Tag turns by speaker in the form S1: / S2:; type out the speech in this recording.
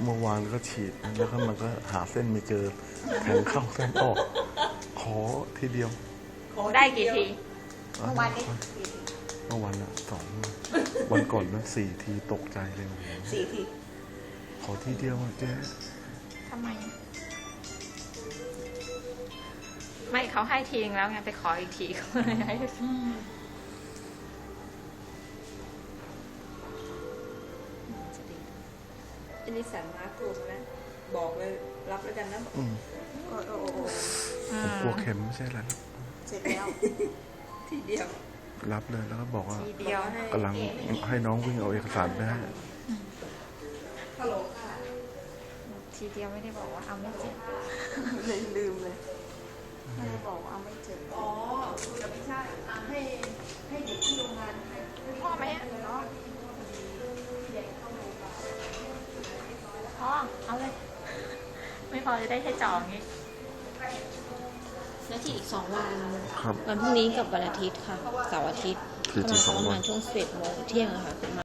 S1: เมื่อวานก็ฉีดแล้วก็มันก็หาเส้นไม่เจอแทงเข้าเส้นออกขอทีเดียว
S2: ได้กี่ที
S3: เมื่อวานนี้
S1: เมื่อวันละ2 วันก่อนนั้น4 ทีตกใจเลย
S3: 4 ที
S1: ขอทีเดียวอะเจ๊
S2: ทำไม ไม่เขาให้ทีนึงแล้วไงไปขออีกทีเขาเลยให้
S3: อันนี้สั่งมาถูกนะบอกเลยรับแล้วกันนะ
S1: อืม
S3: โอ้โอ้โอ้
S1: ผมกลัวเข็มไม่ใช่อะไรหรอก
S3: เสร็จแล้ว ทีเดียว
S1: รับเลยแล้วก็บอกว่า
S2: ทีเดียว
S1: กำลังให้น้องวิ่งเอาเอกสารไปให้
S3: ฮัลโหลค่ะ
S2: ทีเดียวไม่ได้บอกว่าเอาไม่เจ็บ
S3: เลยลืมเลยไม่ได้บอกว่าเอาไม่เจ็บอ๋อแต่ไม่ใช่ให้เด็กที่โรงงานให้
S2: พ่อไหมอะพ่อเอาเลย ไม่พอจะได้แค่จองงี้
S4: แล้วที่อีก2 วัน
S1: ครับ
S4: วันพรุ่งนี้กับวันอาทิตย์ค่ะ เสาร์อาทิตย์
S1: คือที่
S4: ประ
S1: 2
S4: มา
S1: วั
S4: ณ
S1: น
S4: ช่วง11 โมงเที่ยงอะค่ะ